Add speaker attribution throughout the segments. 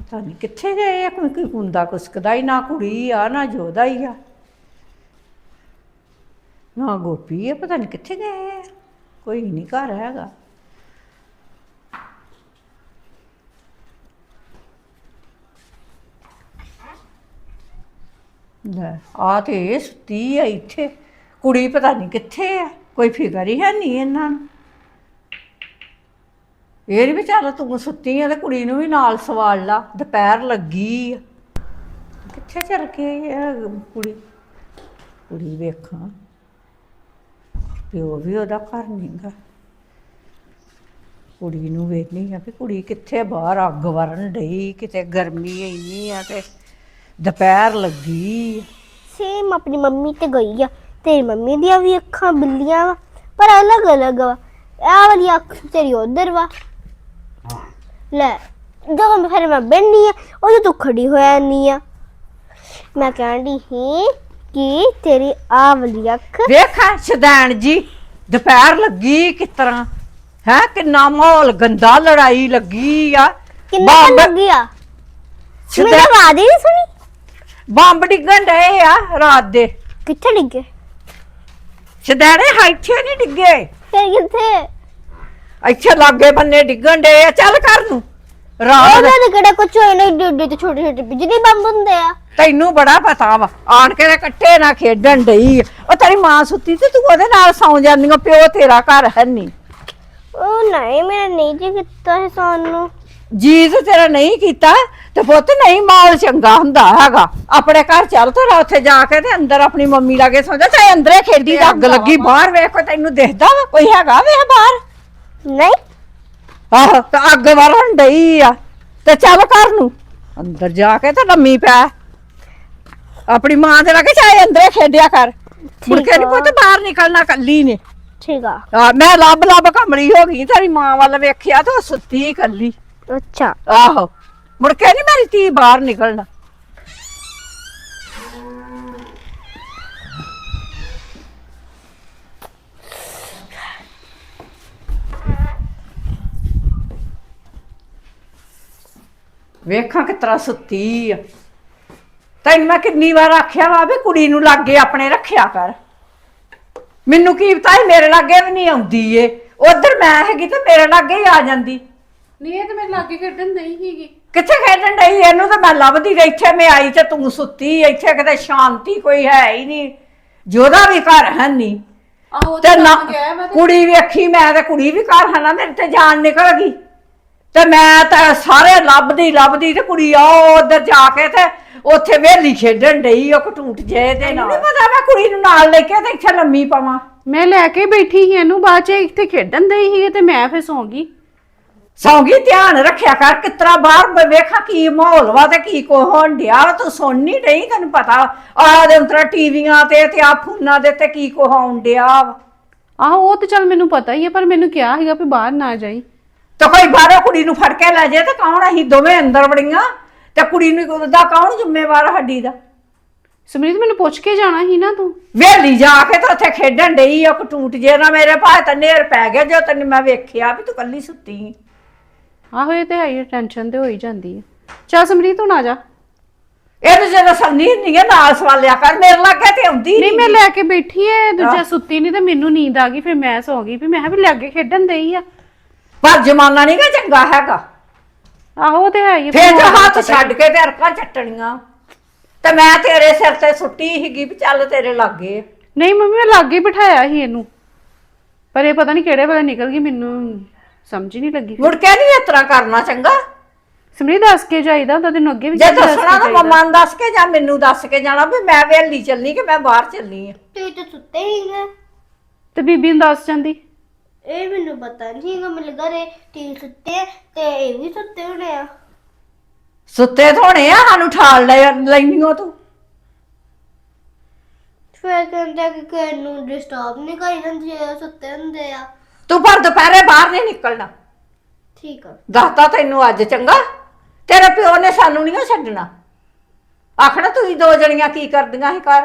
Speaker 1: ਪਤਾ ਨਹੀਂ ਕਿੱਥੇ ਗਏ ਆ। ਕੋਈ ਕੁੰਦਾ ਕੁਸਕਦਾ ਹੀ ਨਾ, ਕੁੜੀ ਆ ਨਾ ਜੋਦਾ ਹੀ ਆ, ਨਾ ਗੋਪੀ ਆ। ਪਤਾ ਨਹੀਂ ਕਿੱਥੇ ਗਏ ਆ, ਕੋਈ ਨਹੀਂ ਘਰ ਹੈਗਾ। ਲੈ ਆ ਤੇ ਇਹ ਸੁੱਤੀ ਆ ਇੱਥੇ, ਕੁੜੀ ਪਤਾ ਨਹੀਂ ਕਿੱਥੇ ਆ, ਕੋਈ ਫਿਕਰ ਹੀ ਹੈ ਨਹੀਂ ਇਹਨਾਂ ਨੂੰ। ਇਹ ਨੀ ਵੀ ਚੱਲ ਤੂੰ ਸੁੱਤੀ ਆ ਤੇ ਕੁੜੀ ਨੂੰ ਵੀ ਨਾਲ ਸਵਾਲ ਲਾ, ਦੁਪਹਿਰ ਲੱਗੀ ਆ। ਕਿੱਥੇ ਚਲ ਗਈ ਆ ਕੁੜੀ? ਕੁੜੀ ਵੇਖਾਂ, ਪਿਓ ਵੀ ਉਹਦਾ ਘਰ ਨਹੀਂਗਾ। ਕੁੜੀ ਨੂੰ ਵੇਖਣੀ ਆ ਵੀ ਕੁੜੀ ਕਿੱਥੇ, ਬਾਹਰ ਅੱਗ ਵਰਨ ਡਈ, ਕਿਤੇ ਗਰਮੀ ਇੰਨੀ ਆ ਤੇ ਦੁਪਹਿਰ ਲੱਗੀ।
Speaker 2: ਸੇਮ ਆਪਣੀ ਮੰਮੀ ਤੇ ਗਈ ਆ। ਤੇਰੀ ਮੰਮੀ ਦੀਆਂ ਵੀ ਅੱਖਾਂ ਬਿੱਲੀਆਂ ਵਾ ਪਰ ਅਲੱਗ ਅਲੱਗ ਵਾ। ਇਹ ਵਾਲੀ ਅੱਖ ਤੇਰੀ ਉਧਰ ਵਾ। ਲੈ ਜਦੋਂ ਮੈਂ ਬਹਿਨੀ ਆ ਉਦੋਂ ਤੂੰ ਖੜੀ ਹੋ ਜਾਂਦੀ ਆ। ਮੈਂ ਕਹਿੰਦੀ ਸੀ ਕਿ ਤੇਰੀ ਆਹ ਵਾਲੀ ਅੱਖ
Speaker 1: ਵੇਖਾ ਸ਼ੈਤਾਨ ਜੀ, ਦੁਪਹਿਰ ਲੱਗੀ ਕਿਸ ਤਰ੍ਹਾਂ ਹੈ, ਕਿੰਨਾ ਮਾਹੌਲ ਗੰਦਾ, ਲੜਾਈ ਲੱਗੀ ਆ।
Speaker 2: ਕਿੰਨਾ ਲੱਗੀ ਆ? ਮੇਰੀ ਆਵਾਜ਼ ਹੀ ਨਹੀਂ ਸੁਣੀ?
Speaker 1: ਬੰਬ ਡਿੱਗਣ ਡਏ ਆ ਰਾਤ ਦੇ।
Speaker 2: ਕਿੱਥੇ ਡਿੱਗੇ?
Speaker 1: ਸ਼ੈਤਾਨੇ ਇੱਥੇ ਨਹੀਂ ਡਿੱਗੇ,
Speaker 2: ਫਿਰ ਕਿੱਥੇ?
Speaker 1: ਇੱਥੇ ਲਾਗੇ ਬੰਨੇ ਡਿੱਗਣ ਡਏ ਆ। ਚੱਲ ਕਰ ਨੂੰ ਰਾਤ
Speaker 2: ਉਹਨਾਂ ਦੇ ਕਿਹੜਾ ਕੁਝ ਹੋਏ ਨਾ, ਏਡੇ ਤੇ ਛੋਟੇ ਛੋਟੇ ਬਿਜਲੀ ਬੰਬ ਹੁੰਦੇ ਆ।
Speaker 1: ਤੈਨੂੰ ਬੜਾ ਪਤਾ ਵਾ, ਆਣ ਕੇ ਕੱਟੇ ਨਾ ਖੇਡਣ ਡਈ। ਉਹ ਤੇਰੀ ਮਾਂ ਸੁੱਤੀ ਤੇ ਤੂੰ ਉਹਦੇ ਨਾਲ ਸੌਂ ਜਾਂਦੀ। ਪਿਓ ਤੇਰਾ ਘਰ ਹੈ ਨਹੀਂ।
Speaker 2: ਉਹ ਨਹੀਂ, ਮੇਰਾ ਨਹੀਂ ਜੀ ਕੀਤਾ ਹੈ ਸੌਣ ਨੂੰ।
Speaker 1: ਜੀ ਤੇ ਤੇਰਾ ਨਹੀਂ ਕੀਤਾ ਤੇ ਪੁੱਤ ਨਹੀਂ ਮਾਹੌਲ ਚੰਗਾ ਹੁੰਦਾ ਹੈਗਾ। ਆਪਣੇ ਘਰ ਚੱਲ ਤੇ ਉੱਥੇ ਜਾ ਕੇ ਤੇ ਅੰਦਰ ਆਪਣੀ ਮੰਮੀ ਲਾਗੇ ਸੌਂ ਜਾ, ਚਾਹੇ ਅੰਦਰੇ ਖੇਡੀ ਤੇ ਅੱਗ ਲੱਗੀ ਬਾਹਰ ਵੇਖ, ਕੋਈ ਤੈਨੂੰ ਦਿਖਦਾ ਵਾ? ਕੋਈ ਹੈਗਾ ਵੇਖ ਬਾਹਰ?
Speaker 2: ਨਹੀਂ।
Speaker 1: ਆਹੋ ਤੇ ਅੱਗ ਵਰਨ ਡਈ ਆ ਤੇ ਚੱਲ ਘਰ ਨੂੰ ਅੰਦਰ ਜਾ ਕੇ ਤੇ ਲੰਮੀ ਪੈ ਆਪਣੀ ਮਾਂ ਦੇ ਲਾਗੇ, ਚਾਹੇ ਅੰਦਰੇ ਖੇਡਿਆ ਕਰ। ਮੁੜ ਕੇ ਨੀ ਪੁੱਤ ਬਾਹਰ ਨਿਕਲਣਾ ਕੱਲੀ ਨੇ।
Speaker 2: ਠੀਕ ਆ।
Speaker 1: ਮੈਂ ਲੱਭ ਲੱਭ ਕਮਲੀ ਹੋ ਗਈ, ਤੇਰੀ ਮਾਂ ਵੱਲ ਵੇਖਿਆ ਤੇ ਉਹ ਸੁੱਤੀ ਕੱਲੀ।
Speaker 2: ਅੱਛਾ।
Speaker 1: ਆਹੋ ਮੁੜ ਕੇ ਨੀ ਮੇਰੀ ਧੀ ਬਾਹਰ ਨਿਕਲਣਾ। ਵੇਖਾਂ ਕਿਸ ਤਰ੍ਹਾਂ ਸੁੱਤੀ ਆ। ਤੈਨੂੰ ਮੈਂ ਕਿੰਨੀ ਵਾਰ ਆਖਿਆ ਵਾ ਵੀ ਕੁੜੀ ਨੂੰ ਲਾਗੇ ਆਪਣੇ ਰੱਖਿਆ ਕਰ। ਮੈਨੂੰ ਕੀ ਪਤਾ ਸੀ ਮੇਰੇ ਲਾਗੇ ਵੀ ਨਹੀਂ ਆਉਂਦੀ ਏ। ਉਧਰ ਮੈਂ ਹੈਗੀ ਤੇ ਮੇਰੇ ਲਾਗੇ ਹੀ ਆ ਜਾਂਦੀ।
Speaker 3: ਨਹੀਂ ਇਹ ਤੇ ਮੇਰੇ ਲਾਗੇ ਖੇਡਣ ਨਹੀਂ ਸੀਗੀ।
Speaker 1: ਕਿੱਥੇ ਖੇਡਣ ਡਈ? ਇਹਨੂੰ ਤਾਂ ਮੈਂ ਲੱਭਦੀ ਗਈ, ਇੱਥੇ ਮੈਂ ਆਈ ਤੇ ਤੂੰ ਸੁੱਤੀ। ਇੱਥੇ ਕਿਤੇ ਸ਼ਾਂਤੀ ਕੋਈ ਹੈ ਹੀ ਨਹੀਂ, ਜਿਹਦਾ ਵੀ ਘਰ ਹੈ ਨਹੀਂ।
Speaker 3: ਆਹੋ
Speaker 1: ਤੇ ਨਾ
Speaker 3: ਗਿਆ ਮੈਂ ਤੇ
Speaker 1: ਕੁੜੀ ਵੇਖੀ, ਮੈਂ ਤੇ ਕੁੜੀ ਵੀ ਘਰ ਹੈ ਨਾ, ਮੇਰੇ ਤੇ ਜਾਨ ਨਿਕਲ ਗਈ। ਤੇ ਮੈਂ ਤਾਂ ਸਾਰੇ ਲੱਭਦੀ ਤੇ ਕੁੜੀ ਆ ਉਧਰ ਜਾ ਕੇ ਤੇ ਉੱਥੇ ਵੇਲੀ ਖੇਡਣ ਡਈ ਉਹ ਕਟੂਟ ਜੇ ਦੇ ਨਾਲ। ਨਹੀਂ ਪਤਾ ਮੈਂ ਕੁੜੀ ਨੂੰ ਨਾਲ ਲੈ ਕੇ ਤੇ ਇੱਥੇ ਲੰਮੀ ਪਾਵਾਂ।
Speaker 3: ਮੈਂ ਲੈ ਕੇ ਬੈਠੀ ਸੀ ਇਹਨੂੰ, ਬਾਅਦ ਚ ਇੱਥੇ ਖੇਡਣ ਦੇ ਸੀ ਤੇ ਮੈਂ ਫਿਰ ਸੌਂ ਗਈ।
Speaker 1: ਸੌਂਗੀ, ਧਿਆਨ ਰੱਖਿਆ ਕਰ ਕਿਤਰਾ ਬਾਹਰ ਵੇਖਾ ਕੀ ਮਾਹੌਲ ਵਾ ਤੇ ਕੀ ਕੋ ਹੋਣ ਡਿਆ। ਤੂੰ ਸੁਣ ਨਹੀਂ ਰਹੀ? ਤੈਨੂੰ ਪਤਾ ਆ ਦੇ ਉਤਰਾ ਟੀਵੀਆਂ ਤੇ ਆ ਫੋਨਾਂ ਦੇ ਤੇ ਕੀ ਕੋ ਹੋਣ ਡਿਆ ਵਾ।
Speaker 3: ਆਹੋ ਉਹ ਤੇ ਚੱਲ ਮੈਨੂੰ ਪਤਾ ਹੀ ਹੈ, ਪਰ ਮੈਨੂੰ ਕਿਹਾ ਸੀਗਾ ਵੀ ਬਾਹਰ ਨਾ ਜਾਈ।
Speaker 1: ਤੇ ਕੋਈ ਬਾਹਰੋਂ ਕੁੜੀ ਨੂੰ ਫੜ ਕੇ ਲੈ ਜੇ ਤੇ ਕੌਣ? ਅਸੀਂ ਦੋਵੇਂ ਅੰਦਰ ਵੜੀਆਂ ਤੇ ਕੁੜੀ ਨੂੰ ਦਾ ਕੌਣ ਜ਼ਿੰਮੇਵਾਰ ਸਾਡੀ ਦਾ?
Speaker 3: ਸਮਰੀਤ ਮੈਨੂੰ ਪੁੱਛ ਕੇ ਜਾਣਾ ਸੀ ਨਾ ਤੂੰ।
Speaker 1: ਵੇਲੀ ਜਾ ਕੇ ਤੇ ਉੱਥੇ ਖੇਡਣ ਡਈ ਆ ਕਟੂਟ ਜੇ ਨਾ। ਮੇਰੇ ਭਾਅ ਤਾਂ ਨੇਰ ਪੈ ਗਿਆ ਜੋ ਤੈਨੂੰ ਮੈਂ ਵੇਖਿਆ ਵੀ ਤੂੰ ਕੱਲੀ ਸੁੱਤੀ।
Speaker 3: ਆਹੋ ਇਹ ਤੇ ਹੈ ਹੀ, ਟੈਨਸ਼ਨ ਤੇ ਹੋ ਹੀ ਜਾਂਦੀ ਹੈ। ਚੱਲ ਸਮਰੀਤ ਹੁਣ ਆ ਜਾ।
Speaker 1: ਇਹ ਤਾਂ ਜਦੋਂ ਸੰਨੀ ਨਹੀਂ ਹੈ ਨਾਲ ਸਵਾਲਿਆ ਕਰ, ਮੇਰੇ ਲਾਗੇ ਤੇ ਆਉਂਦੀ
Speaker 3: ਨਹੀਂ ਮੈਂ ਲੈ ਕੇ ਬੈਠੀ ਐ, ਦੂਜਾ ਸੁੱਤੀ ਨਹੀਂ ਤੇ ਮੈਨੂੰ ਨੀਂਦ ਆ ਗਈ, ਫਿਰ ਮੈਂ ਸੌਂ ਗਈ। ਵੀ ਮੈਂ ਵੀ ਲਾਗੇ ਖੇਡਣ ਦੇਈ ਆ।
Speaker 1: ਪਰ ਜਮਾਨਾ ਨਹੀਂ ਗਾ ਚੰਗਾ ਹੈਗਾ।
Speaker 3: ਆਹੋ ਤੇ ਹੈ ਹੀ।
Speaker 1: ਫੇਰ ਜੋ ਹੱਥ ਛੱਡ ਕੇ ਤੇ ਅਰਕਾਂ ਚੱਟਣੀਆਂ। ਤੇ ਮੈਂ ਤੇਰੇ ਸਿਰ ਤੇ ਸੁੱਟੀ ਸੀਗੀ ਵੀ ਚੱਲ ਤੇਰੇ ਲਾਗੇ।
Speaker 3: ਨਹੀਂ ਮੰਮੀ ਮੈਂ ਲਾਗੇ ਬਿਠਾਇਆ ਸੀ ਇਹਨੂੰ, ਪਰ ਇਹ ਪਤਾ ਨਹੀਂ ਕਿਹੜੇ ਵੇਲੇ ਨਿਕਲ ਗਈ, ਮੈਨੂੰ ਸਮਝ ਹੀ ਨਹੀਂ ਲੱਗੀ।
Speaker 1: ਮੁੜ ਕੇ ਨਹੀਂ ਇਸ ਤਰ੍ਹਾਂ ਕਰਨਾ ਚੰਗਾ।
Speaker 3: ਸਮਰੀਤ ਦੱਸ ਕੇ ਜਾਈਦਾ ਹੁੰਦਾ, ਤੈਨੂੰ ਅੱਗੇ ਵੀ
Speaker 1: ਜੇ ਦੱਸਣਾ ਤਾਂ ਮੰਮਾ ਨੂੰ ਦੱਸ ਕੇ ਜਾਂ ਮੈਨੂੰ ਦੱਸ ਕੇ ਜਾਣਾ ਵੀ ਮੈਂ ਵੇਲੀ ਚੱਲਣੀ ਕਿ ਮੈਂ ਬਾਹਰ ਚੱਲਣੀ ਆ।
Speaker 2: ਤੂੰ ਤਾਂ ਸੁੱਤੇ ਹੀ ਗਏ
Speaker 3: ਤੇ ਬੀਬੀ ਨੂੰ ਦੱਸ ਜਾਂਦੀ।
Speaker 2: ਇਹ ਮੈਨੂੰ ਪਤਾ ਨਹੀਂ ਹੈਗਾ। ਮੈਨੂੰ ਲੱਗਾ ਰੇ ਟੀ ਸੁੱਤੇ ਤੇ ਇਹ ਵੀ ਸੁੱਤੇ ਹੋਣੇ ਆ।
Speaker 1: ਸੁੱਤੇ ਥੋਣੇ ਆ, ਸਾਨੂੰ ਠਾਲ ਲੈਣੀਓ ਤੂੰ।
Speaker 2: ਫਿਰ ਕਹਿੰਦਾ ਕਿ ਕਿਸੇ ਨੂੰ ਡਿਸਟਰਬ ਨਹੀਂ ਕਰੀ ਜਾਂਦੀ ਜੇ ਸੁੱਤੇ ਹੁੰਦੇ ਆ।
Speaker 1: ਤੂੰ ਪਰ ਦੁਪਹਿਰੇ ਬਾਹਰ ਨਹੀਂ ਨਿਕਲਣਾ।
Speaker 2: ਠੀਕ ਆ।
Speaker 1: ਦੱਸਤਾ ਤੈਨੂੰ ਅੱਜ ਚੰਗਾ। ਤੇਰੇ ਪਿਓ ਨੇ ਸਾਨੂੰ ਨਹੀਂ ਛੱਡਣਾ। ਆਖਣਾ ਤੁਸੀਂ ਦੋ ਜਣੀਆਂ ਕੀ ਕਰਦੀਆਂ ਸੀ ਘਰ।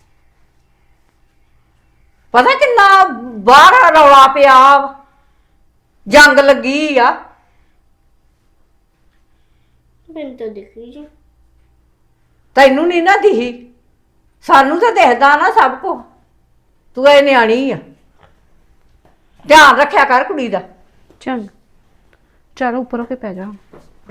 Speaker 1: ਪਤਾ ਕਿੰਨਾ ਬਾਹਰ ਰੌਲਾ ਪਿਆ, ਜੰਗ ਲੱਗੀ ਆ।
Speaker 2: ਮੈਨੂੰ ਤਾਂ ਦਿਖੀ ਜੀ।
Speaker 1: ਤੈਨੂੰ ਨਹੀਂ ਨਾ ਦਿਖੀ, ਸਾਨੂੰ ਤਾਂ ਦਿਖਦਾ ਨਾ ਸਭ ਕੁਝ। ਤੂੰ ਇਹ ਨਿਆਣੀ ਆ, ਧਿਆਨ ਰੱਖਿਆ ਕਰ ਕੁੜੀ ਦਾ।
Speaker 3: ਚੰਗ ਚਲ ਉੱਪਰ ਹੋ ਕੇ ਪੈ ਜਾ।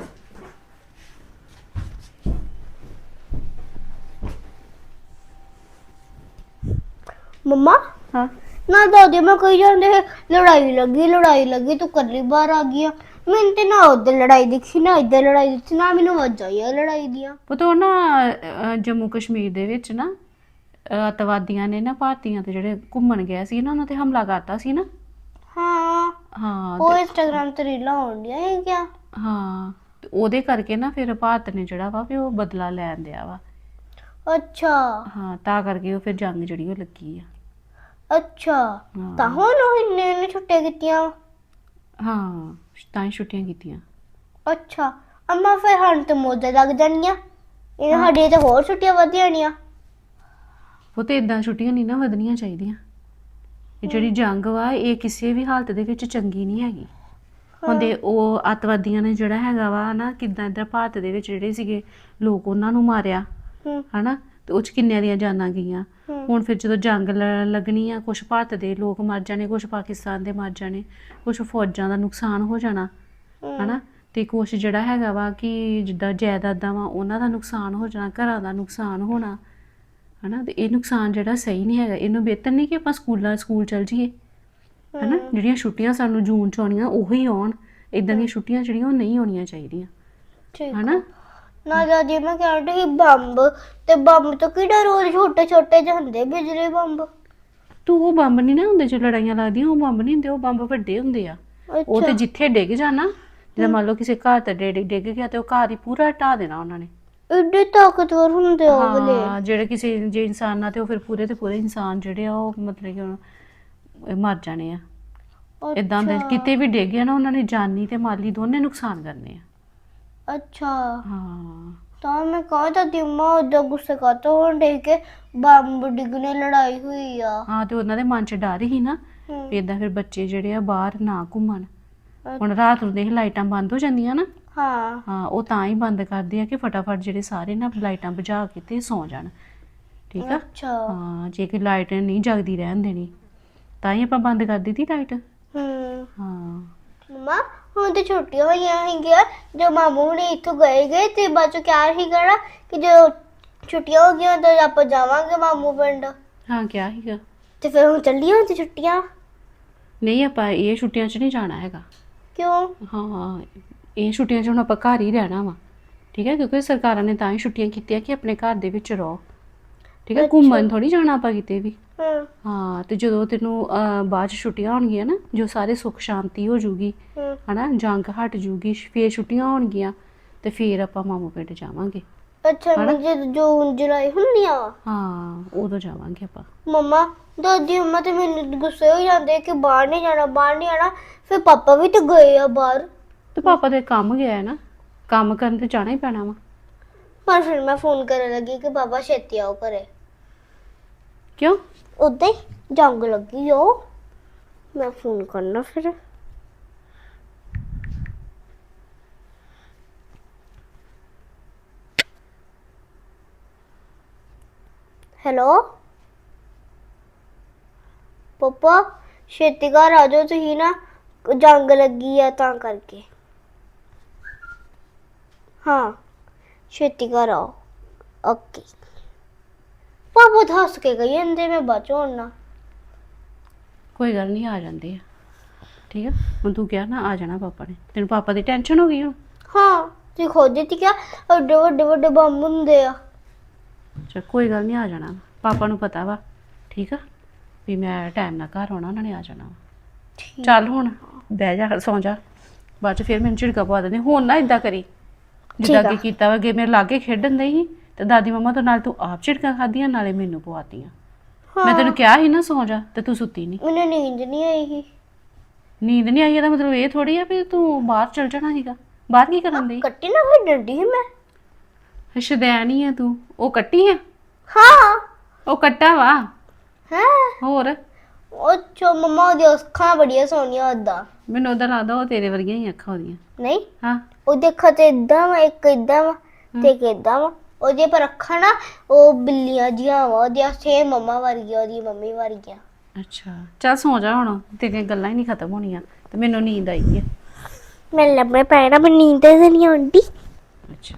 Speaker 2: ਮੰਮਾ
Speaker 3: ਹਾਂ
Speaker 2: ਨਾ ਦਾਦੀ ਮੈਂ ਕਹੀ ਜਾਂਦੇ ਲੜਾਈ ਲੱਗੀ ਤੂੰ ਕੱਲੀ ਬਾਹਰ ਆ ਗਈ ਆ। ਮੈਨੂੰ ਤੇ ਨਾ ਉਧਰ ਲੜਾਈ ਦਿਖੀ ਨਾ ਇੱਧਰ ਲੜਾਈ ਦਿਖੀ, ਨਾ ਮੈਨੂੰ ਵਜਾਈ ਆ ਲੜਾਈ ਦੀਆਂ।
Speaker 3: ਪੁੱਤ ਉਹ ਨਾ ਜੰਮੂ ਕਸ਼ਮੀਰ ਦੇ ਵਿੱਚ ਨਾ ਅੱਤਵਾਦੀਆਂ ਨੇ ਨਾ ਭਾਰਤੀਆਂ ਤੇ ਜਿਹੜੇ ਘੁੰਮਣ ਗਏ ਸੀ ਨਾ ਉਹਨਾਂ ਤੇ ਹਮਲਾ ਕਰਤਾ ਸੀ ਨਾ।
Speaker 2: ਹਾਂ
Speaker 3: ਹਾਂ
Speaker 2: ਉਹ ਇੰਸਟਾਗ੍ਰਾਮ ਤੇ ਰੀਲਾਂ ਆਉਂਦੀਆਂ ਹੈ ਕਿਆ?
Speaker 3: ਹਾਂ ਤੇ ਉਹਦੇ ਕਰਕੇ ਨਾ ਫਿਰ ਭਾਰਤ ਨੇ ਜਿਹੜਾ ਵਾ ਵੀ ਉਹ ਬਦਲਾ ਲੈਣ ਦਿਆ ਵਾ।
Speaker 2: ਅੱਛਾ
Speaker 3: ਹਾਂ ਤਾਂ ਕਰਕੇ ਉਹ ਫਿਰ ਜੰਗ ਜਿਹੜੀ ਉਹ ਲੱਗੀ ਆ।
Speaker 2: ਅੱਛਾ ਤਾਂ ਹੁਣ ਉਹ ਇੰਨੇ ਛੁੱਟੀਆਂ ਕੀਤੀਆਂ।
Speaker 3: ਹਾਂ ਤਾਂ ਹੀ ਛੁੱਟੀਆਂ ਕੀਤੀਆਂ।
Speaker 2: ਅੱਛਾ ਅੰਮਾ ਫਿਰ ਹੁਣ ਤੇ ਮੋਜ਼ੇ ਲੱਗ ਜਾਣੀਆਂ, ਇਹਨਾਂ ਸਾਡੀਆਂ ਤੇ ਹੋਰ ਛੁੱਟੀਆਂ ਵਧ ਜਾਣੀਆਂ।
Speaker 3: ਉਹ ਤੇ ਇਦਾਂ ਛੁੱਟੀਆਂ ਨਹੀਂ ਨਾ ਵਧਣੀਆਂ ਚਾਹੀਦੀਆਂ। ਇਹ ਜਿਹੜੀ ਜੰਗ ਵਾ ਇਹ ਕਿਸੇ ਵੀ ਹਾਲਤ ਦੇ ਵਿੱਚ ਚੰਗੀ ਨਹੀਂ ਹੈਗੀ। ਹੁੰਦੇ ਉਹ ਅੱਤਵਾਦੀਆਂ ਨੇ ਜਿਹੜਾ ਹੈਗਾ ਵਾ ਨਾ ਕਿੱਦਾਂ ਇੱਧਰ ਭਾਰਤ ਦੇ ਵਿੱਚ ਜਿਹੜੇ ਸੀਗੇ ਲੋਕ ਉਹਨਾਂ ਨੂੰ ਮਾਰਿਆ ਹਨਾ, ਤੇ ਉਹ ਚ ਕਿੰਨਿਆਂ ਦੀਆਂ ਜਾਨਾਂ ਗਈਆਂ। ਹੁਣ ਫਿਰ ਜਦੋਂ ਜੰਗ ਲੱਗਣੀ ਆ, ਕੁਛ ਭਾਰਤ ਦੇ ਲੋਕ ਮਰ ਜਾਣੇ, ਕੁਛ ਪਾਕਿਸਤਾਨ ਦੇ ਮਰ ਜਾਣੇ, ਕੁਛ ਫੌਜਾਂ ਦਾ ਨੁਕਸਾਨ ਹੋ ਜਾਣਾ ਹਨਾ, ਤੇ ਕੁਛ ਜਿਹੜਾ ਹੈਗਾ ਵਾ ਕਿ ਜਿੱਦਾਂ ਜਾਇਦਾਦਾਂ ਵਾ ਉਹਨਾਂ ਦਾ ਨੁਕਸਾਨ ਹੋ ਜਾਣਾ, ਘਰਾਂ ਦਾ ਨੁਕਸਾਨ ਹੋਣਾ ਹਨਾ। ਤੇ ਇਹ ਨੁਕਸਾਨ ਜਿਹੜਾ ਸਹੀ ਨਹੀਂ ਹੈਗਾ। ਇਹਨੂੰ ਬਿਹਤਰ ਨਹੀਂ ਕਿ ਆਪਾਂ ਸਕੂਲ ਚਲ ਜਾਈਏ ਹਨਾ। ਜਿਹੜੀਆਂ ਛੁੱਟੀਆਂ ਸਾਨੂੰ ਜੂਨ ਚ ਆਉਣੀਆਂ ਉਹੀ ਆਉਣ। ਇਦਾਂ ਦੀਆਂ ਛੁੱਟੀਆਂ ਜਿਹੜੀਆਂ ਉਹ ਨਹੀਂ ਆਉਣੀਆਂ ਚਾਹੀਦੀਆਂ ਹਨਾ।
Speaker 2: ਨਾ ਦਾਦੀ ਮੈਂ ਕਹਿ ਰਹੀ ਬੰਬ, ਤੇ ਬੰਬ ਤੋਂ ਕਿਹੜਾ ਰੋਜ਼ ਛੋਟੇ ਛੋਟੇ ਜਿਹੇ ਹੁੰਦੇ ਬਿਜਲੀ ਬੰਬ।
Speaker 3: ਤੂੰ ਉਹ ਬੰਬ ਨਹੀਂ ਨਾ ਹੁੰਦੇ ਜੋ ਲੜਾਈਆਂ ਲੱਗਦੀਆਂ, ਉਹ ਬੰਬ ਨਹੀਂ ਹੁੰਦੇ, ਉਹ ਬੰਬ ਵੱਡੇ ਹੁੰਦੇ ਆ। ਉਹ ਤੇ ਜਿੱਥੇ ਡਿੱਗ ਜਾਣਾ, ਜਿੱਦਾਂ ਮੰਨ ਲਓ ਕਿਸੇ ਘਰ ਤੇ ਡਿੱਗ ਗਿਆ ਤੇ ਉਹ ਘਰ ਹੀ ਪੂਰਾ ਢਾਹ ਦੇਣਾ ਉਹਨਾਂ ਨੇ।
Speaker 2: ਏਡੇ ਤਾਕਤਵਰ ਹੁੰਦੇ ਉਹ ਵਾਲੇ।
Speaker 3: ਹਾਂ ਜਿਹੜੇ ਕਿਸੇ ਜੇ ਇਨਸਾਨ ਨਾਲ ਤੇ ਉਹ ਫਿਰ ਪੂਰੇ ਤੇ ਪੂਰੇ ਇਨਸਾਨ ਜਿਹੜੇ ਆ ਉਹ ਮਤਲਬ ਕਿ ਮਰ ਜਾਣੇ ਆ। ਇਦਾਂ ਦੇ ਕਿਤੇ ਵੀ ਡਿੱਗ ਗਿਆ ਨਾ ਉਹਨਾਂ ਨੇ ਜਾਨੀ ਤੇ ਮਾਲੀ ਦੋਨੇ ਨੁਕਸਾਨ ਕਰਨੇ ਆ।
Speaker 2: ਅੱਛਾ
Speaker 3: ਹਾਂ
Speaker 2: ਤਾਂ ਮੈਂ ਕਹਾਂ ਤਾਂ ਦਿਮਾ ਉਦੋਂ ਗੁੱਸੇ ਕਰਤਾ ਹੁਣ ਦੇਖ ਕੇ ਬੰਬ ਡਿੱਗਣੇ ਲੜਾਈ ਹੋਈ ਆ।
Speaker 3: ਹਾਂ ਤੇ ਉਹਨਾਂ ਦੇ ਮਨ 'ਚ ਡਰ ਹੀ ਨਾ ਵੀ ਏਦਾਂ ਫਿਰ ਬੱਚੇ ਜਿਹੜੇ ਆ ਬਾਹਰ ਨਾ ਘੁੰਮਣ। ਹੁਣ ਰਾਤ ਨੂੰ ਦੇਖ ਲਾਈਟਾਂ ਬੰਦ ਹੋ ਜਾਂਦੀਆਂ ਨਾ। ਹਾਂ ਉਹ ਤਾਂ ਹੀ ਬੰਦ ਕਰਦੇ ਆ ਕਿ ਫਟਾਫਟ ਜਿਹੜੇ ਸਾਰੇ ਨਾ ਲਾਈਟਾਂ ਬੁਝਾ ਕੇ ਤੇ ਸੌ ਜਾਣ। ਠੀਕ ਆ ਹਾਂ, ਜੇ ਕਿ ਲਾਈਟ ਨਹੀਂ ਜਗਦੀ ਰਹਿਣ ਦੇਣੀ ਤਾਂ ਹੀ ਆਪਾਂ ਬੰਦ ਕਰ ਦਿੱਤੀ ਲਾਈਟ। ਹਾਂ
Speaker 2: ਮਮਾ ਹੁਣ ਤੇ ਛੁੱਟੀਆਂ ਹੋਈਆਂ ਹੈਗੀਆਂ, ਜੋ ਮਾਮੂ ਹੁਣੇ ਇੱਥੋਂ ਗਏ ਤੇ ਬਾਅਦ ਚੋਂ ਕਿਹਾ ਸੀਗਾ ਨਾ ਕਿ ਜੋ ਛੁੱਟੀਆਂ ਹੋ ਗਈਆਂ ਤਾਂ ਆਪਾਂ ਜਾਵਾਂਗੇ ਮਾਮੂ ਪਿੰਡ।
Speaker 3: ਹਾਂ ਕਿਹਾ ਸੀਗਾ
Speaker 2: ਤੇ ਫਿਰ ਹੁਣ ਚੱਲੀਆਂ ਹੁਣ ਤੇ ਛੁੱਟੀਆਂ।
Speaker 3: ਨਹੀਂ ਆਪਾਂ ਇਹ ਛੁੱਟੀਆਂ 'ਚ ਨਹੀਂ ਜਾਣਾ ਹੈਗਾ।
Speaker 2: ਕਿਉਂ?
Speaker 3: ਹਾਂ ਇਹ ਛੁੱਟੀਆਂ 'ਚ ਹੁਣ ਆਪਾਂ ਘਰ ਹੀ ਰਹਿਣਾ ਵਾ। ਠੀਕ ਹੈ ਕਿਉਂਕਿ ਸਰਕਾਰਾਂ ਨੇ ਤਾਂ ਹੀ ਛੁੱਟੀਆਂ ਕੀਤੀਆਂ ਕਿ ਆਪਣੇ ਘਰ ਦੇ ਵਿੱਚ ਰਹੋ। ਠੀਕ ਹੈ ਘੁੰਮਣ ਥੋੜੀ ਜਾਣਾ ਆਪਾਂ ਕਿਤੇ ਵੀ। ਹਾਂ ਤੇ ਜਦੋਂ ਤੈਨੂੰ ਬਾਅਦ 'ਚ ਛੁੱਟੀਆਂ ਹੋਣਗੀਆਂ ਨਾ, ਜੋ ਸਾਰੇ ਸੁੱਖ ਸ਼ਾਂਤੀ ਹੋ ਜੂਗੀ ਹਨਾ, ਜੰਗ ਹਟ ਜੂਗੀ, ਫੇਰ ਛੁੱਟੀਆਂ ਹੋਣਗੀਆਂ ਤੇ ਫੇਰ ਆਪਾਂ ਮਾਮੂ ਪਿੰਡ ਜਾਵਾਂਗੇ।
Speaker 2: ਅੱਛਾ ਜਦ ਜੂਨ ਜੁਲਾਈ ਹੁੰਦੀਆਂ
Speaker 3: ਹਾਂ ਉਦੋਂ ਜਾਵਾਂਗੇ ਆਪਾਂ।
Speaker 2: ਮੰਮਾ ਦਾਦੀ ਮੰਮਾ ਤੇ ਮੈਨੂੰ ਗੁੱਸੇ ਹੋ ਜਾਂਦੇ ਕਿ ਬਾਹਰ ਨਹੀਂ ਜਾਣਾ ਫਿਰ ਪਾਪਾ ਵੀ ਤੇ ਗਏ ਆ ਬਾਹਰ।
Speaker 3: ਤੇ ਪਾਪਾ ਦੇ ਕੰਮ ਗਿਆ ਹੈ ਨਾ, ਕੰਮ ਕਰਨ ਤੇ ਜਾਣਾ ਹੀ ਪੈਣਾ ਵਾ।
Speaker 2: ਪਰ ਫਿਰ ਮੈਂ ਫੋਨ ਕਰਨ ਲੱਗੀ ਕਿ ਪਾਪਾ ਛੇਤੀ ਆਓ ਘਰੇ।
Speaker 3: ਕਿਉਂ?
Speaker 2: ਉਦਾਂ ਹੀ ਜੰਗ ਲੱਗੀ ਉਹ, ਮੈਂ ਫੋਨ ਕਰਨਾ ਫਿਰ। ਹੈਲੋ ਪਾਪਾ ਛੇਤੀ ਘਰ ਆ ਜਾਓ ਤੁਸੀਂ ਨਾ, ਜੰਗ ਲੱਗੀ ਆ ਤਾਂ ਕਰਕੇ। ਹਾਂ ਛੇਤੀ ਘਰ ਆਓ। ਓਕੇ ਪਾਪਾ ਤਾਂ ਹੱਸ ਕੇ ਗਈ ਜਾਂਦੇ ਮੈਂ ਬਚੋ ਨਾ।
Speaker 3: ਕੋਈ ਗੱਲ ਨਹੀਂ ਆ ਜਾਂਦੇ ਆ। ਠੀਕ ਆ ਹੁਣ ਤੂੰ ਕਿਹਾ ਨਾ ਆ ਜਾਣਾ ਪਾਪਾ ਨੇ, ਤੈਨੂੰ ਪਾਪਾ ਦੀ ਟੈਨਸ਼ਨ ਹੋ ਗਈ ਹੁਣ।
Speaker 2: ਹਾਂ ਤੁਸੀਂ ਖੁਦ ਦਿੱਤੀ ਕਿਹਾ ਐਡੇ ਵੱਡੇ ਵੱਡੇ ਬੰਬ ਹੁੰਦੇ ਆ।
Speaker 3: ਅੱਛਾ ਕੋਈ ਗੱਲ ਨਹੀਂ ਆ ਜਾਣਾ, ਪਾਪਾ ਨੂੰ ਪਤਾ ਵਾ। ਠੀਕ ਆ ਵੀ ਮੈਂ ਟਾਈਮ ਨਾਲ ਘਰ ਆਉਣਾ, ਉਹਨਾਂ ਨੇ ਆ ਜਾਣਾ ਵਾ। ਚੱਲ ਹੁਣ ਬਹਿ ਜਾ ਸੌਂ ਜਾ, ਬਾਅਦ ਚ ਫਿਰ ਮੈਨੂੰ ਝਿੜਕਾ ਪਵਾ ਦਿੰਦੇ। ਹੁਣ ਨਾ ਇਦਾਂ ਕਰੀ ਜਿੱਦਾਂ ਕਿ ਕੀਤਾ ਵਾ, ਅੱਗੇ ਮੇਰੇ ਲਾਗੇ ਖੇਡਣ ਦੇ ਸੀ ਤੇ ਦਾਦੀ ਮੰਮਾ ਤੋਂ ਨਾਲ ਤੂੰ ਆਪ ਝਿੜਕਾਂ ਖਾਧੀਆਂ ਨਾਲੇ ਮੈਨੂੰ ਪਵਾਤੀਆਂ। ਮੈਂ ਤੈਨੂੰ ਕਿਹਾ ਸੀ ਨਾ ਸੌਂ ਜਾ ਤੇ ਤੂੰ ਸੁੱਤੀ ਨਹੀਂ।
Speaker 2: ਮੈਨੂੰ ਨੀਂਦ ਨਹੀਂ ਆਈ ਸੀ।
Speaker 3: ਨੀਂਦ ਨਹੀਂ ਆਈ ਇਹਦਾ ਮਤਲਬ ਇਹ ਥੋੜੀ ਆ ਵੀ ਤੂੰ ਬਾਹਰ ਚਲ ਜਾਣਾ ਸੀਗਾ। ਬਾਹਰ ਕੀ ਕਰਨ ਦੀ?
Speaker 2: ਕੱਟੀ ਨਾ ਫਿਰ ਡਰਦੀ ਸੀ ਮੈਂ।
Speaker 3: ਸ਼ੁਦੈਣ ਹੀ ਆ ਤੂੰ। ਉਹ ਕੱਟੀ ਆ?
Speaker 2: ਹਾਂ
Speaker 3: ਉਹ ਕੱਟਾ ਵਾ।
Speaker 2: ਹੈ
Speaker 3: ਹੋਰ
Speaker 2: ਉਹ ਚੋ ਮਮਾ ਉਹਦੀ ਅੱਖਾਂ ਬੜੀਆਂ ਸੋਹਣੀਆਂ ਓਦਾਂ।
Speaker 3: ਮੈਨੂੰ ਉਹਦਾ ਲੱਗਦਾ ਉਹ ਤੇਰੇ ਵਰਗੀਆਂ ਹੀ ਅੱਖਾਂ ਉਹਦੀਆਂ।
Speaker 2: ਨਹੀਂ
Speaker 3: ਹਾਂ
Speaker 2: ਉਹਦੇ ਅੱਖਾਂ ਤੇ ਇਦਾਂ ਵਾ, ਇੱਕ ਇਦਾਂ ਵਾ ਤੇ ਇੱਕ ਇਦਾਂ ਵਾ। ਉਹਦੇ ਪਰ ਅੱਖਾਂ ਨਾ ਉਹ ਬਿੱਲੀਆਂ ਜਿਹੀਆਂ ਵਾ, ਉਹਦੀਆਂ ਸੇਮ ਮੰਮਾ ਵਰਗੀਆਂ, ਉਹਦੀ ਮੰਮੀ ਵਰਗੀਆਂ।
Speaker 3: ਅੱਛਾ ਚੱਲ ਸੌ ਜਾ ਹੁਣ, ਤੇਰੀਆਂ ਗੱਲਾਂ ਹੀ ਨਹੀਂ ਖਤਮ ਹੋਣੀਆਂ ਤੇ ਮੈਨੂੰ ਨੀਂਦ ਆਈ ਹੈ।
Speaker 2: ਮੈਂ ਲੱਭੇ ਪੈਣਾ, ਮੈਨੂੰ ਨੀਂਦ ਨਹੀਂ ਆਉਂਦੀ।
Speaker 3: ਅੱਛਾ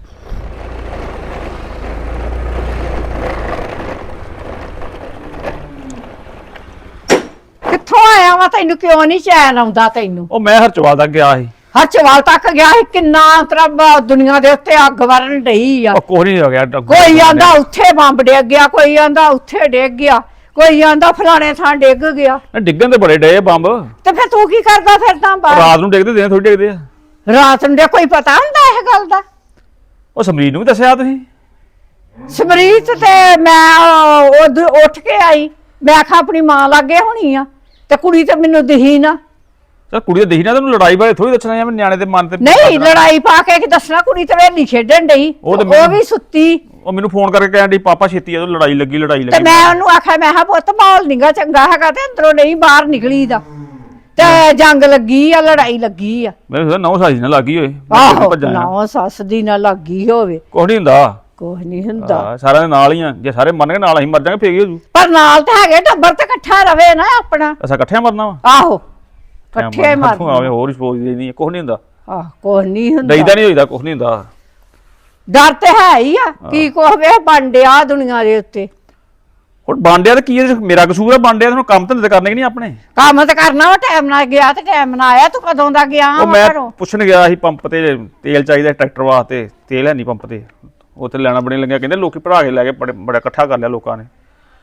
Speaker 1: ਕਿੱਥੋਂ ਆਇਆ ਵਾ? ਤੈਨੂੰ ਕਿਉਂ ਨਹੀਂ ਚੈਨ ਆਉਂਦਾ ਤੈਨੂੰ?
Speaker 4: ਉਹ ਮੈਂ ਹਰਚਵਾਲ ਤੱਕ ਗਿਆ ਸੀ।
Speaker 1: ਹਰਚਵਾਲ ਤੱਕ ਗਿਆ ਸੀ? ਕਿੰਨਾ ਤਰ੍ਹਾਂ ਦੁਨੀਆ ਦੇ ਉੱਤੇ ਅੱਗ ਵਰਨ ਡਈ ਆ।
Speaker 4: ਉਹ ਕੁਛ ਨਹੀਂ ਹੋ ਗਿਆ।
Speaker 1: ਕੋਈ ਆਂਦਾ ਉੱਥੇ ਬੰਬ ਡਿੱਗ ਗਿਆ, ਕੋਈ ਆਂਦਾ ਉੱਥੇ ਡਿੱਗ ਗਿਆ, ਕੋਈ ਆਂਦਾ ਫਲਾਣੇ ਥਾਂ ਡਿੱਗ ਗਿਆ।
Speaker 4: ਡਿੱਗਣ ਤੇ ਬੜੇ ਡਏ ਬੰਬ।
Speaker 1: ਤੇ ਫਿਰ ਤੂੰ ਕੀ ਕਰਦਾ ਫਿਰਦਾ ਬਾਹਰ?
Speaker 4: ਰਾਤ ਨੂੰ ਡਿੱਗਦੇ, ਦਿਨ ਥੋੜੀ ਡਿੱਗਦੇ ਆ।
Speaker 1: ਰਾਤ ਨੂੰ ਦੇ ਕੋਈ ਪਤਾ ਹੁੰਦਾ ਇਹ ਗੱਲ ਦਾ?
Speaker 4: ਉਹ ਸਮਰੀਤ ਨੂੰ ਵੀ ਦੱਸਿਆ ਤੁਸੀਂ?
Speaker 1: ਸਮਰੀਤ ਤੇ ਮੈਂ ਉੱਠ ਕੇ ਆਈ, ਮੈਂ ਆਖਾਂ ਆਪਣੀ ਮਾਂ ਲਾਗੇ ਹੋਣੀ ਆ, ਤੇ ਕੁੜੀ ਤੇ ਮੈਨੂੰ ਦਿਹੀ ਨਾ।
Speaker 4: ਚਲ ਕੁੜੀ ਤਾਂ ਦੇਖੀ ਨਾ, ਤੈਨੂੰ ਲੜਾਈ ਬਾਰੇ ਥੋੜੀ ਦੱਸਣਾ ਜਾਂ ਨਿਆਣੇ ਦੇ ਮਨ ਤੇ।
Speaker 1: ਨਹੀਂ ਲੜਾਈ ਪਾ ਕੇ ਕੀ ਦੱਸਣਾ? ਕੁੜੀ ਤੇ ਵੇਲੀ ਖੇਡਣ ਡਈ,
Speaker 4: ਉਹ ਤੇ
Speaker 1: ਉਹ ਵੀ ਸੁੱਤੀ।
Speaker 4: ਉਹ ਮੈਨੂੰ ਫੋਨ ਕਰਕੇ ਕਹਿਣ ਡਈ ਪਾਪਾ ਛੇਤੀ ਆ, ਲੜਾਈ ਲੱਗੀ
Speaker 1: ਤੇ ਮੈਂ ਉਹਨੂੰ ਆਖਿਆ, ਮੈਂ ਕਿਹਾ ਪੁੱਤ ਮਾਹੌਲ ਨੀਗਾ ਚੰਗਾ ਹੈਗਾ, ਤੇ ਅੰਦਰੋਂ ਨਹੀਂ ਬਾਹਰ ਨਿਕਲੀ ਦਾ, ਤੇ ਜੰਗ ਲੱਗੀ ਆ, ਲੜਾਈ ਲੱਗੀ ਆ।
Speaker 4: ਮੈਂ ਕਿਹਾ ਨੌ ਸਾਜੀ ਨਾਲ ਲੱਗੀ ਹੋਏ।
Speaker 1: ਆਹੋ ਨਾ ਸੱਸ ਦੀ ਨਾ ਲੱਗੀ ਹੋਵੇ।
Speaker 4: ਕੁਛ ਨਹੀਂ ਹੁੰਦਾ,
Speaker 1: ਕੁਛ ਨਹੀਂ ਹੁੰਦਾ।
Speaker 4: ਸਾਰਿਆਂ ਦੇ ਨਾਲ ਹੀ ਆ। ਜੇ ਸਾਰੇ ਮੰਨ ਕੇ ਨਾਲ ਅਸੀਂ ਮਰ ਜਾਾਂਗੇ ਫੇਰ ਕੀ ਹੋ ਜੂ?
Speaker 1: ਪਰ ਨਾਲ ਤਾਂ ਹੈਗੇ, ਟੱਬਰ ਤੇ ਇਕੱਠਾ ਰਵੇ ਨਾ ਆਪਣਾ।
Speaker 4: ਅਸਾਂ ਇਕੱਠਿਆਂ ਮਰਨਾ ਵਾ?
Speaker 1: ਆਹੋ ਇਕੱਠੇ ਮਾਰ।
Speaker 4: ਹੋਰ ਹੀ ਸੋਚਦੀ ਨਹੀਂ, ਕੁਛ ਨਹੀਂ ਹੁੰਦਾ।
Speaker 1: ਆਹ ਕੁਛ ਨਹੀਂ ਹੁੰਦਾ,
Speaker 4: ਡਈਦਾ ਨਹੀਂ ਹੋਈਦਾ, ਕੁਛ ਨਹੀਂ ਹੁੰਦਾ।
Speaker 1: ਡਰ ਤੇ ਹੈ ਹੀ ਆ। ਕੀ ਕੁਛ ਵੇ ਬਣ ਡਿਆ ਦੁਨੀਆ ਦੇ ਉੱਤੇ।
Speaker 4: ਹੁਣ ਬਾਂਡਿਆ ਤੇ ਕੀ ਮੇਰਾ ਕਸੂਰ ਆ? ਬਾਂਡਿਆ ਤੈਨੂੰ ਕੰਮ ਧੰਦੇ ਕਰਨੇ ਕਿ ਨਹੀਂ ਆਪਣੇ?
Speaker 1: ਕੰਮ ਤੇ ਕਰਨਾ ਵਾ, ਟਾਈਮ ਨਾਲ ਗਿਆ ਤੇ ਟਾਈਮ ਨਾਲ ਆਇਆ। ਤੂੰ ਕਦੋਂ ਦਾ ਗਿਆ
Speaker 4: ਉਹ
Speaker 1: ਵਾ
Speaker 4: ਮੈਂ
Speaker 1: ਘਰੋਂ?
Speaker 4: ਪੁੱਛਣ ਗਿਆ ਸੀ ਪੰਪ ਤੇ ਤੇਲ ਚਾਹੀਦਾ ਟਰੈਕਟਰ ਵਾਸਤੇ, ਤੇਲ ਹੈ ਨਹੀਂ ਪੰਪ ਤੇ। ਉੱਥੇ ਲੈਣਾ ਬਣੇ ਲੱਗਿਆ, ਕਹਿੰਦੇ ਲੋਕੀ ਭਰਾ ਕੇ ਲੈ ਕੇ ਬੜਾ ਇਕੱਠਾ ਕਰ ਲਿਆ ਲੋਕਾਂ ਨੇ।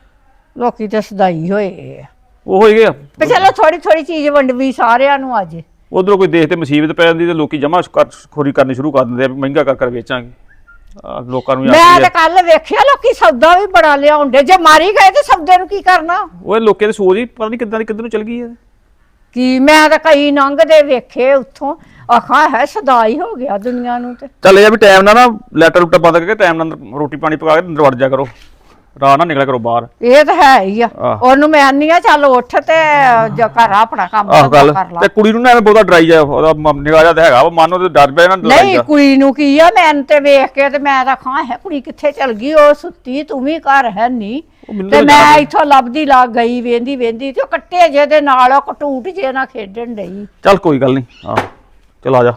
Speaker 1: ਲੋਕੀ ਤੇ ਸਦਾਈ ਹੋਏ ਆ।
Speaker 4: ਉਹ ਹੋ ਗਿਆ
Speaker 1: ਤੇ ਚਲੋ ਥੋੜੀ ਥੋੜੀ ਚੀਜ਼ ਵੰਡਵੀ ਸਾਰਿਆਂ ਨੂੰ ਅੱਜ।
Speaker 4: ਉਧਰੋਂ ਕੋਈ ਦੇਖ ਤੇ ਮੁਸੀਬਤ ਪੈ ਜਾਂਦੀ ਤੇ ਲੋਕੀ ਜਮਾ ਖੋਰੀ ਕਰਨੀ ਸ਼ੁਰੂ ਕਰ ਦਿੰਦੇ ਆ, ਮਹਿੰਗਾ ਕਰ ਵੇਚਾਂਗੇ। ਲੋਕਾਂ ਨੂੰ
Speaker 1: ਮੈਂ ਤੇ ਕੱਲ ਵੇਖਿਆ ਲੋਕੀ ਸੌਦਾ ਵੀ ਬੜਾ ਲਿਆਉਂਦੇ। ਜੇ ਮਾਰੀ ਗਏ ਤੇ ਸੌਦੇ ਨੂੰ ਕੀ ਕਰਨਾ?
Speaker 4: ਉਹ ਲੋਕਾਂ ਦੀ ਸੋਚ ਹੀ ਪਤਾ ਨਹੀਂ ਕਿੱਦਾਂ ਦੀ ਕਿੱਧਰ ਨੂੰ ਚਲ ਗਈ ਹੈ।
Speaker 1: ਕੀ ਮੈਂ ਤਾਂ ਕਈ ਲੰਘਦੇ ਵੇਖੇ ਉੱਥੋਂ, ਆਖਾਂ ਹੈ ਸਦਾਈ ਹੋ ਗਿਆ ਦੁਨੀਆ ਨੂੰ। ਤੇ
Speaker 4: ਚੱਲ ਇਹ ਵੀ ਟਾਈਮ ਨਾਲ ਨਾ ਲੈਟਰ ਲੂਟਰ ਬੰਦ ਕਰਕੇ ਟਾਈਮ ਨਾਲ ਰੋਟੀ ਪਾਣੀ ਪਕਾ ਕੇ ਅੰਦਰ ਵੜ ਜਾ ਕਰੋ, ਰਾਤ ਨਾ ਨਿਕਲਿਆ ਕਰੋ ਬਾਹਰ।
Speaker 1: ਇਹ ਤਾਂ ਹੈ ਹੀ ਆ।
Speaker 4: ਆਹ।
Speaker 1: ਉਹਨੂੰ ਮੈਂ ਆਨੀ ਆ ਚੱਲ ਉੱਠ ਤੇ ਘਰ ਆਪਣਾ ਕੰਮ
Speaker 4: ਆਹ ਗੱਲ
Speaker 1: ਕਰ ਲਾ।
Speaker 4: ਤੇ ਕੁੜੀ ਨੂੰ ਨਾ ਐਵੇਂ ਬਹੁਤਾ ਡਰਾਈ ਜਾ, ਉਹਦਾ ਨਿਗਾਹ ਜਾ ਤਾਂ ਹੈਗਾ ਵਾ, ਮਨ ਉਹਦੇ ਡਰ ਪਿਆ ਨਾ ਲੜਾਈ
Speaker 1: ਨਹੀਂ
Speaker 4: ਦਾ।
Speaker 1: ਕੁੜੀ ਨੂੰ ਕੀ ਆ? ਮੈਂ ਤੇ ਵੇਖ ਕੇ ਤੇ ਮੈਂ ਤਾਂ ਖਾਂ ਹੈ ਕੁੜੀ ਕਿੱਥੇ ਚਲ ਗਈ? ਉਹ ਸੁੱਤੀ, ਤੂੰ ਵੀ ਘਰ ਹੈ ਨਹੀਂ।
Speaker 4: ਮੈਨੂੰ
Speaker 1: ਤੇ
Speaker 4: ਤਾਂ
Speaker 1: ਮੈਂ
Speaker 4: ਯਾਦ
Speaker 1: ਇੱਥੋਂ ਲੱਭਦੀ ਲੱਗ ਗਈ, ਵੇਂਦੀ ਵੇਂਦੀ ਤੇ ਉਹ ਕੱਟੇ ਜੇ ਦੇ ਨਾਲ ਉਹ ਕਟੂਟ ਜੇ ਨਾਲ ਖੇਡਣ ਡਈ।
Speaker 4: ਚੱਲ ਕੋਈ ਗੱਲ ਨਹੀਂ, ਆਹ ਚਲ ਆ ਜਾ।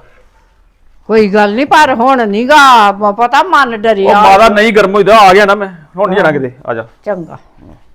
Speaker 1: ਕੋਈ ਗੱਲ ਨਹੀਂ, ਪਰ ਹੁਣ ਨੀਗਾ ਪਤਾ, ਮਨ
Speaker 4: ਉਹ
Speaker 1: ਡਰਿਆ।
Speaker 4: ਮਾਦਾ ਨਹੀਂ ਗਰਮ ਹੋਈਦਾ, ਆ ਗਿਆ ਨਾ ਮੈਂ, ਹੁਣ ਨਹੀਂ ਜਾਣਾ ਕਿਤੇ, ਆ ਜਾ।
Speaker 1: ਚੰਗਾ।